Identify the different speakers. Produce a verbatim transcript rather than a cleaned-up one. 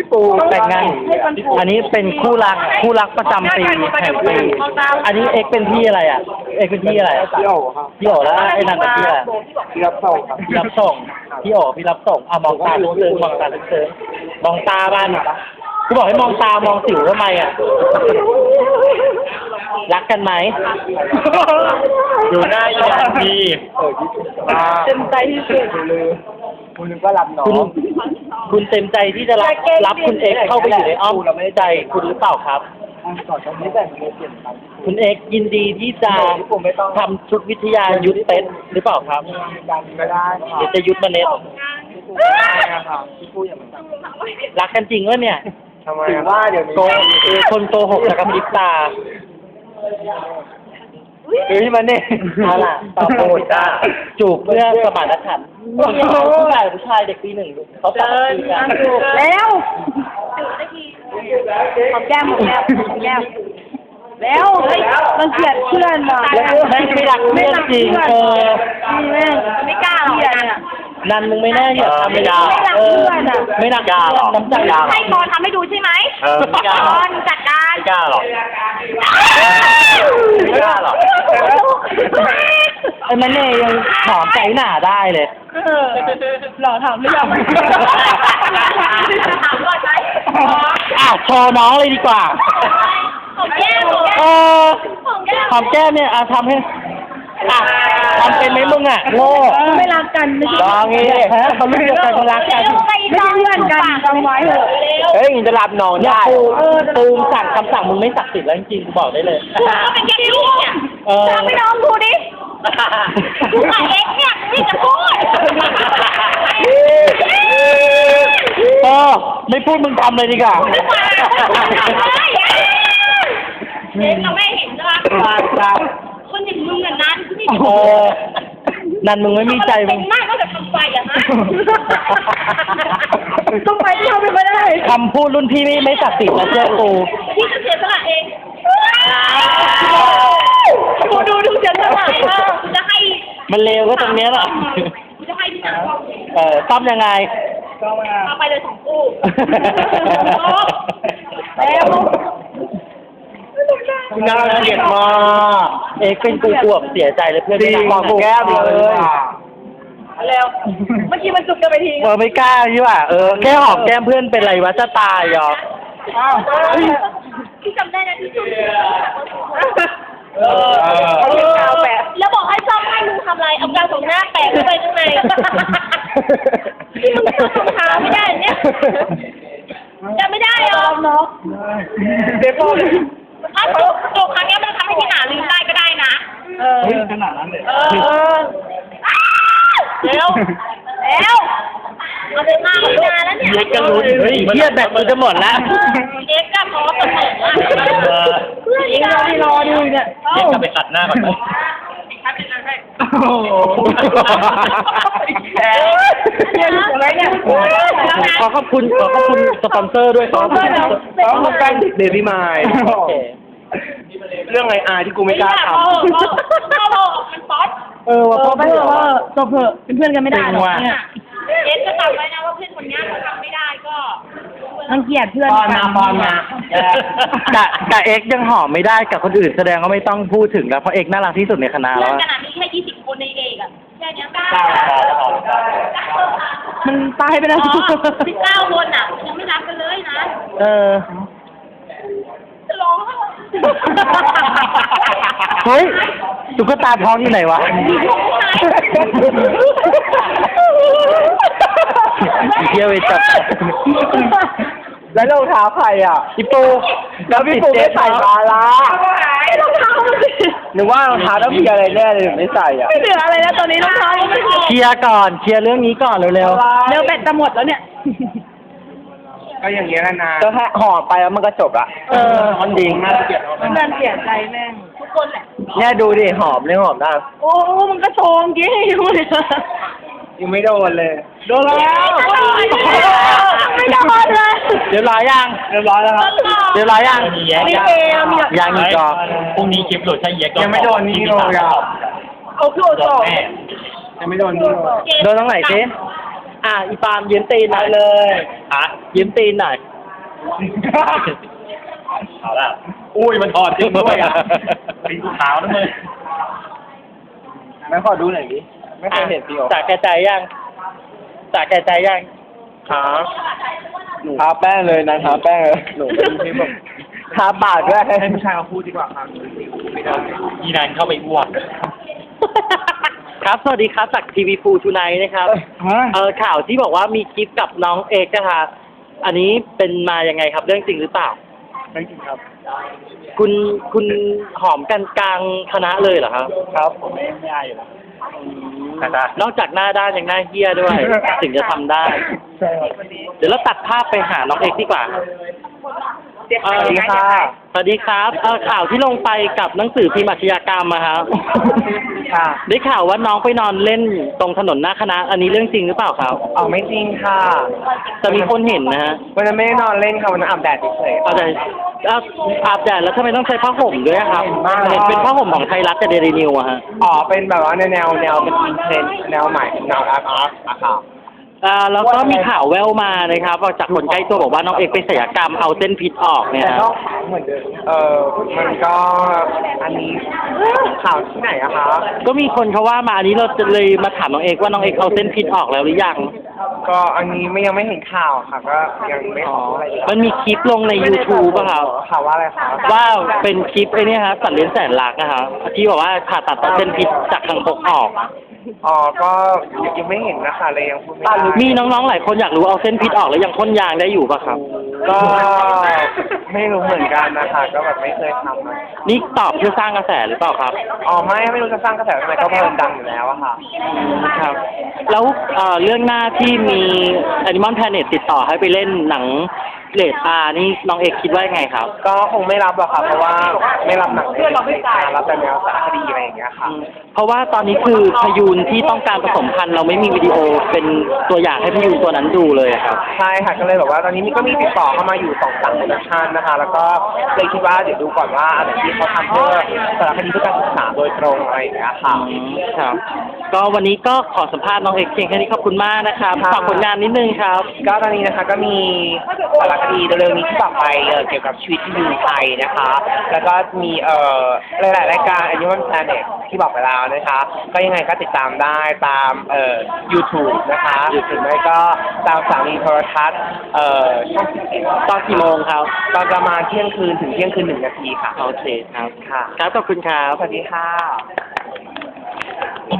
Speaker 1: ปูแต่งงานอันนี้เป็นคู่รักคู่รักประจำปีแห่งปีอันนี้เอ็กเป็นพี่อะไรอ่ะเอ็กเป็นพี่อะไรพี่โอ๋ครับพี่โอ๋แล้วไอ้นั่นเป็นพี่อะไรพี่รับส่งครับพี่รับส่งพี่โอ๋พี่รับส่งอ่ะมองตาลึกซึ้งมองตาลึกซึ้งมองตาบ้านกูบอกให้มองตามองสิวทำไมอ่ะรักกันไหมอยู่หน้าอย่างดีเต็มใจที่สุดเลยคุณก็รับน้องคุณเต็มใจที่จะรับรับคุณเอ็กเข้าไปอยู่ในอ้อมใจคุณหรือเปล่าครับคุณเอ็กยินดีที่จะทำชุดวิทยายุทธเต็นหรือเปล่าครับไม่ได้เดี๋ยวจะยุทธมาเน็ตรักกันจริงวะเนี่ยถือว่าเดี๋ยวโกคนโกหกจะกระพริบตาเฮ้ยมันเนี่ยเอาล่ะตอบโจทย์จ้าจูบเพื่อสมานฉันท์ผู้ชายผู้ชายเด็กปีหนึ่งเขาตัดสินกัน
Speaker 2: แล้วหอมแก้มหอมแก้มหอมแก้มแล้วมันเกลียดเพื่อนว่ะ
Speaker 1: แม่งไม่รักเพื่อนจริงเออ
Speaker 2: แม่งไม่กล้าหรอกเนี่ย
Speaker 1: นันมึงไม่แน่เหรอทำไม่ได้
Speaker 2: เออ
Speaker 1: ไม่รักยาหรอกน้ำใจยา
Speaker 2: ให้ตอนทำให้ดูใช่ไหม
Speaker 1: เออไม่กล้า
Speaker 2: ตอนจัดการ
Speaker 1: ไม่กล้าหรอกไม่กล้าหรอกไอ้มันเนี่ยยังหอมใจหนาได้เลย
Speaker 2: หล่อถามหรือยังถามก่อนไหม
Speaker 1: อ่ะโชว์น้องเลยดีกว่า
Speaker 2: หอมแก้ม
Speaker 1: เออหอมแก้มเนี่ยอ่ะทำให้อ่ะทำเป็นไหมมึงอ่ะโง่
Speaker 2: ไม่รักกันไม่ใช่
Speaker 1: ลองงี้เขาเลือกกันเขารักกัน
Speaker 2: ไม่ใช่เพื่อนกันจำไว้เถอะ
Speaker 1: เฮ้ยจะรับน้องได้ตูมสั่งคำสั่งมึงไม่ศักดิ์สิทธิ์แล้วจริงๆบอกได้เลย
Speaker 2: กูก็เป็นแค่ลูกเนี่ยทำให้น้องดูดิกูกับเอ็กเนี่ยไม่จะพูด
Speaker 1: เออไม่พูดมึงทำเลยดีกว่า
Speaker 2: เอ็กเราไม่เห็นใช่ไหมคนอย่างมึงอ่ะนั้น
Speaker 1: เออนั่นมึงไม่มีใจมึง
Speaker 2: มากก็จะทำไฟอ่ะฮะต้องไปที่เขาไม่ได้
Speaker 1: คำพูดรุ่นพี่ไม่ไม่ศักดิ์สิทธิ์นะเจ้ากู
Speaker 2: พี่จะเสียสละเองกูดูดูเสียสละเองกูจะให้
Speaker 1: มันเลวก็ตรงนี้แหละ
Speaker 2: กูจะให้พี่จ๋า
Speaker 1: เออซ่อมยังไง
Speaker 2: ซ่อมเอาไปเลยสองคู่แล้ว
Speaker 1: น่าเกลียดมากเอ็กเป็นกูกลัวเสียใจเลยเพื่อนไม่มองแก้มเลย
Speaker 2: แล้วเมื่อกี้มันจุกกันไปที
Speaker 1: เออไม่กล้าใช่ป่ะเออแค่หอมแก้มเพื่อนเป็นไรวะจะตายเหรอ
Speaker 2: พี่จำได้นะที่จุกเออเอากาวแปะแล้วบอกให้ซ่อมให้มึงทำอะไรเอากาวสองหน้าแปะเข้าไปข้างในที่มึงทำรองเท้าไม่ได้เนี่ยจำไม่ได้หรอเนาะ
Speaker 1: เด็กพ่อ
Speaker 2: ถ้าจุกจุกครั้งนี้มันทำให้พี่หนาลืมได้ก็ได้นะ
Speaker 1: เออขนาดนั้นเลย
Speaker 2: เออเร็วเร็วเอาเดินมาเอานานแล้วเนี่ย
Speaker 1: เด็กก็รู้เฮ้ยเทียบแบบกูจะหมดแล้ว
Speaker 2: เด็กก็พอเสมอเพื่อนยังรอที่รอดูเนี่ย
Speaker 1: เด็กก็ไปขัดหน้าก่อนไหมโอ้โหขอขอบคุณขอขอบคุณสปอนเซอร์ด้วยขอขอบคุณขอขอบคุณการเดบิมายเรื่องไออาร์ที่กูไม่กล้าทำ
Speaker 2: มันป๊อต
Speaker 1: เออว่าเพื่อนว่า
Speaker 2: จบเถอะเป็นเพื่อนกันไม่ได้หรอกเนี่ยเอ็นจะจำไว้นะว่าเพื่อนคนนี้เขาทำไม่ได้ก็มันเกลียดเพื่อน
Speaker 1: กันมาบอลมาแต่แต่เอ็กยังหอมไม่ได้กับคนอื่นแสดงว่าไม่ต้องพูดถึงแล้วเพราะเอ็กน่ารักที่สุดในคณะแล้ว
Speaker 2: ขนาดนี้แค่ยี่สิบคนในเอกอะแค่นี้เก้า
Speaker 1: มันตายไปแล้ว
Speaker 2: สิบเก้าคนอ่ะยังไม่รับกันเลยนะ
Speaker 1: เออ
Speaker 2: จะร้อง
Speaker 1: เฮ้ยตุ๊กตาท้องอยู่ไหนวะเที่ยวไปจับแล้วรองเท้าใครอ่ะพี่ปูแล้วพี่ปูไม่ใส่มาละ
Speaker 2: รองเท้า
Speaker 1: นึกว่ารองเท้าต้องมีอะไรแน่เลยไม่ใส่อ่ะ
Speaker 2: ไม่เหลืออะไรแล้วตอนนี้รองเท้า
Speaker 1: เคลียร์ก่อนเคลียร์เรื่องนี้ก่อนเร็วๆเ
Speaker 2: ร็วแบตจะหมดแล้วเนี่ย
Speaker 1: ก็อย่างเงี้ยนานก็แค่ห่อไปแล้วมันก็จบละเออมันดีมากเกลียด
Speaker 2: มันดันเสียใจแม่งทุกคนแหละ
Speaker 1: เนี่ยดูดิหอมเนี่ยหอมได้
Speaker 2: โอ้มันก็โชงกี้อยู่เลย
Speaker 1: ยังไม่โดนเลยโดนแล้ว
Speaker 2: ไม่โดนเลย
Speaker 1: เรียบร้อยยังเรียบร้อยแล้วครับเรียบร้อยยัง
Speaker 2: มีเอมี
Speaker 1: ยังอีกจอพรุ่งนี้คลิปหลุดใช่เย็กยังไม่โดนนี่โดนยัง
Speaker 2: โอ้โหโดน
Speaker 1: ยังไม่โดนนี่โดนตรงไหนเจ๊อ่ะอีปามยืมตีนหน่อยเลยอ่ะยืมตีนหน่อยเอาละอุ้ยมันถอดจริงด้วยอ่ะสีขาวนั่นเลยแม่ขอดูหน่อยดิไม่เคยเห็นพี่โอจากแก่ใจยังจากแก่ใจยังครับทาแป้งเลยนะทาแป้งเลยหนูไม่แบบทาปากด้วยให้ผู้ชายมาพูดดีกว่าครับไม่ได้ยีนานเข้าไปอ้วกครับสวัสดีครับจากทีวีฟูทูไนท์นะครับเออข่าวที่บอกว่ามีคลิปกับน้องเอกนะคะอันนี้เป็นมายังไงครับเรื่องจริงหรือเปล่าเรื่องจริงครับคุณคุณหอมกันกลางคณะเลยเหรอครับครับผมไม่ได้อยู่แล้วนอกจากหน้าด้านยังหน้าเหี้ยด้วย ถึงจะทำได้ใช่ครับเดี๋ยวเราตัดภาพไปหาน้องเอกดีกว่าสวัสดีค่ะสวัสดีครับเออข่าวที่ลงไปกับหนังสือพิมพ์อาชญากรรมมาครับค่ะได้ข่าวว่าน้องไปนอนเล่นตรงถนนหน้าคณะอันนี้เรื่องจริงหรือเปล่าครับอ๋อไม่จริงค่ะแต่มีคนเห็นนะฮะวันนั้นไม่ได้นอนเล่นค่ะวันนั้นอาบแดดเฉยๆอาบแดดอาบแดดแล้วทำไมต้องใช้ผ้าห่มด้วยครับเห็นเป็นผ้าห่มของไทยรัฐกับเดลินิวอะฮะอ๋อเป็นแบบว่าแนวแนวแนวเป็นอินเทรนด์แนวใหม่แนวอาร์ตอาร์ตอะค่ะอ่าแล้วก็มีข่าวแว่วมานะครับจากคนใกล้ตัวบอกว่าน้องเอกไปศัลยกรรมเอาเส้นพิษออกเนี่ยนะเหมือนเดิมเออมันก็อันนี้ข่าวที่ไหนอะคะก็มีคนเขาว่ามาอันนี้เราจะเลยมาถามน้องเอกว่าน้องเอกเอาเส้นพิษออกแล้วหรือยังก็อันนี้ไม่ยังไม่เห็นข่าวค่ะก็ยังไม่ขออะไรมันมีคลิปลงใน YouTube ป่ะครับข่าวว่าอะไรคะว่าเป็นคลิปไอ้นี่ครับสัตว์เลี้ยงแสนรักนะครับที่บอกว่าผ่าตัดเอาเส้นพิษจากทางปกออกอ๋อก็ยังไม่เห็นนะคะเลยยังพูดไม่ได้มีน้องๆหลายคนอยากรู้เอาเส้นพิษออกแล้วยังพ่นยางได้อยู่ป่ะครับก็ไม่รู้เหมือนกันนะคะก็แบบไม่เคยทำนี่ตอบเพื่อสร้างกระแสหรือเปล่าครับอ๋อไม่ไม่รู้จะสร้างกระแสทำไมก็เพลินดังอยู่แล้วอะค่ะครับแล้วเอ่อเรื่องหน้าที่มี Animal Planet ติดต่อให้ไปเล่นหนังเรทอาร์นี่น้องเอกคิดว่าไงครับก็คงไม่รับหรอกครับเพราะว่าไม่รับหนังเรทอาร์รับแต่แนวสารคดีอะไรอย่างเงี้ยค่ะเพราะว่าตอนนี้คือพยูนที่ต้องการผสมพันธุ์เราไม่มีวิดีโอเป็นตัวอย่างให้พยูนตัวนั้นดูเลยครับใช่ค่ะก็เลยแบบว่าตอนนี้ก็มีติดต่อเข้ามาอยู่สองสามโปรดักชันนะคะแล้วก็เลยคิดว่าเดี๋ยวดูก่อนว่าอะไรที่เขาทำเพื่อสารคดีเพื่อการศึกษาโดยตรงอะไรอย่างเงี้ยค่ะครับก็วันนี้ก็ขอสัมภาษณ์น้องเอกเพียงแค่นี้ขอบคุณมากนะครับฝากผลงานนิดนึงครับก็ตอนนี้นะคะก็มีสารคดีเร็วๆนี้ที่ต่อไปเกี่ยวกับชีวิตที่อยู่ไทยนะคะแล้วก็มีเอ่อหลายๆรายการ Animal Planet ที่บอกไปแล้วนะคะก็ยังไงก็ติดตามได้ตามเอ่อ YouTube นะคะ YouTube ไม่ก็ตามสถานีโทรทัศน์เอ่อช่องสิบเอ็ดตอนกี่โมงครับตอนประมาณเที่ยงคืนถึงเที่ยงคืนหนึ่งนาทีค่ะโอเคครับค่ะครับขอบคุณครับสวัสดีค่ะ